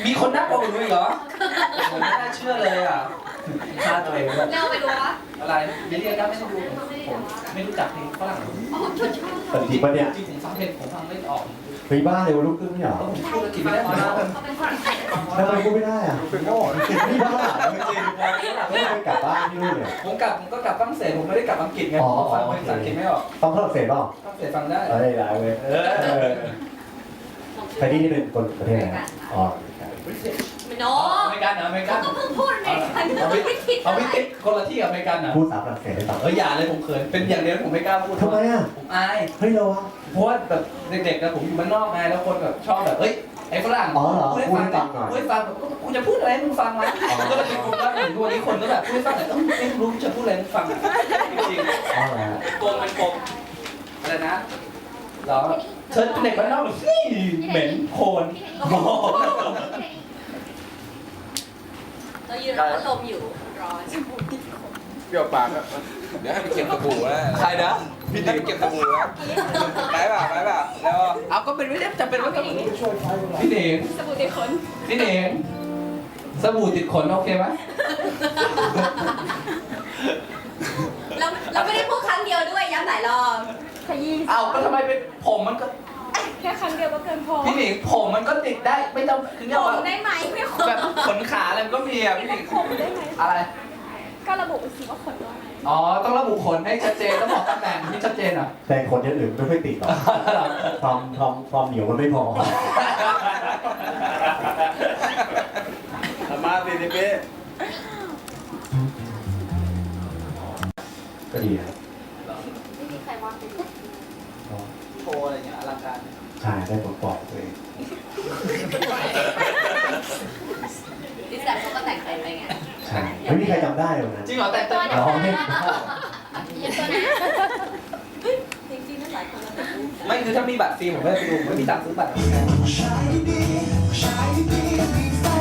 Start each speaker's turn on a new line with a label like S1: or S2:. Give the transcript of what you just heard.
S1: มีคนน่ากลัวกว่าหนูอีกเหรอผมไม่น่าเชื่อเลยอ่ะฆ่าตัวเองแบบ
S2: เร็วไปดูวะ
S1: อะไรเดี๋ยวเรียกก็ไม่ได้ดูผมไม่รู้จักเพลงฝรั่ง
S2: อ๋อชุดชอบ
S3: แต่จริงปะเนี่ย
S1: จริงผมฟังเพลงผมฟังไม่ออก
S3: ไปบ้าเลยว่าลูกครึ่งไม่เหรอ
S1: ผมพูดอังกฤษไม่ได้มาแล้ว
S2: เขาเป็นฝรั่งเศส
S3: ทำไมพูดไม่ได้อ่ะเป็นโง่ไม่บ้าจริงไม่ไปกลับบ้านที่นู่นเลย
S1: ผมก็กลับฝรั่งเศสผมไม่ได้กลับอังกฤษไงผมฟังภาษาอังกฤษไม่ออก
S3: ต้องฝรั่งเศสเปล่า
S1: ฝรั่งเศสฟังได้
S3: เอ้ยได้เว้ยใครที่เป็นคนประเทศไหนอ๋อ
S2: ไม่โน้
S1: อเมริกันเหรออเมริกั
S2: เขา
S1: น
S2: ก็เพิ่งพูดอเมริกันไม่คิด
S1: เอาวิติคนละที่กับอเมริกันเหรอ
S3: พูดภาษาฝรั่งเศสได้ต่อ
S1: อย่าเลยผมเขินเป็นอย่างเดียวผมไม่กล้าพูด
S3: ทำไมอ่ะ
S1: ผมอาย
S3: เฮ้ยเราอะ
S1: เพราะว่าแบบเด็กๆนะผมอยู่บ้านนอกไงแล้วคนแบบชอบแบบเฮ้ยไอ้ฝรั่ง
S3: อ๋อเหรอ
S1: พูดให้ฟังพูดให้ฟังแบบกูจะพูดอะไรให้มึงฟังวะก็เลยเป็นคนว่าถึงวันนี้คนก็แบบพูดให้ฟังแต่ไม่รู้จะพูดอะไรให้มึงฟังจริง
S3: อ๋อเหรอ
S1: ๆโกงเป็นโกงอะไรนะเหรอเธอเป็นเด็กบ้านนอกแบบนี่เหม็นโคลนโอ้โห
S2: เรายืนรับพัดลมอยู่ร้อน
S4: เปรี้ยวปากครับเดี๋ยวให้ไปเก็บสบู่นะ
S1: ใครนะ
S4: พี่ให้ไปเก็บสบู่นะไปเปล่าแล้ว
S1: เอาก็เป็นไม่ได้จำเป็นว่าต้องพี่เด่ง
S2: สบู่ติดขน
S1: พี่เด่งสบู่ติดขนโอเคไหม
S2: เราไม่ได้พูดครั้งเดียวด้วยย้ำหลายรอบขยี้
S1: เอาก็ทำไมเป็นผมมันก็
S2: แค่ครั้งเดียวก็เกินพอ
S1: พี่หนิงผมมันก็ติดได้ไม่ต้องคือเรียก
S2: ผ
S1: ว่า
S2: มได้ไหมไม่ขน
S1: แบบขนขาอะไรมันก็มีอ่ะพี่หนิง
S2: ผมได้ไหม
S1: อะไร
S2: ก็ระบุไปสิว่าขนด้วย
S1: อ๋อต้องระบุขนให้ชัดเจนต้องบอกตำแหน่งที่ชัดเจนอ่ะ
S3: แต่คนอย่างอื่นไม่ค่อยติดหรอกความเหนียวมันไม่พอ
S4: มาสินิเป้
S3: ก็ดีครับ
S2: ไม่มีใครว่าเป็น
S1: โชว์อะไรเงี้ยอลังการ
S3: ใช่ได้ปลดปล่อยตัวเอง
S2: ดิสแลมเขาก็แต่งเต็มไปไง
S3: ใช่ไม่มีใครจำได้เลยนะ
S1: จริงเหรอแต่งเต็ม
S3: ร้องไม่ได้
S2: ยังตัวนะจริงๆนั่นหลายคนแล้วแต่
S1: ไม่คือถ้ามีบัตรฟรีผมไม่ไปดูไม่มีตังค์ซื้อบัตร
S5: Shiny, shiny,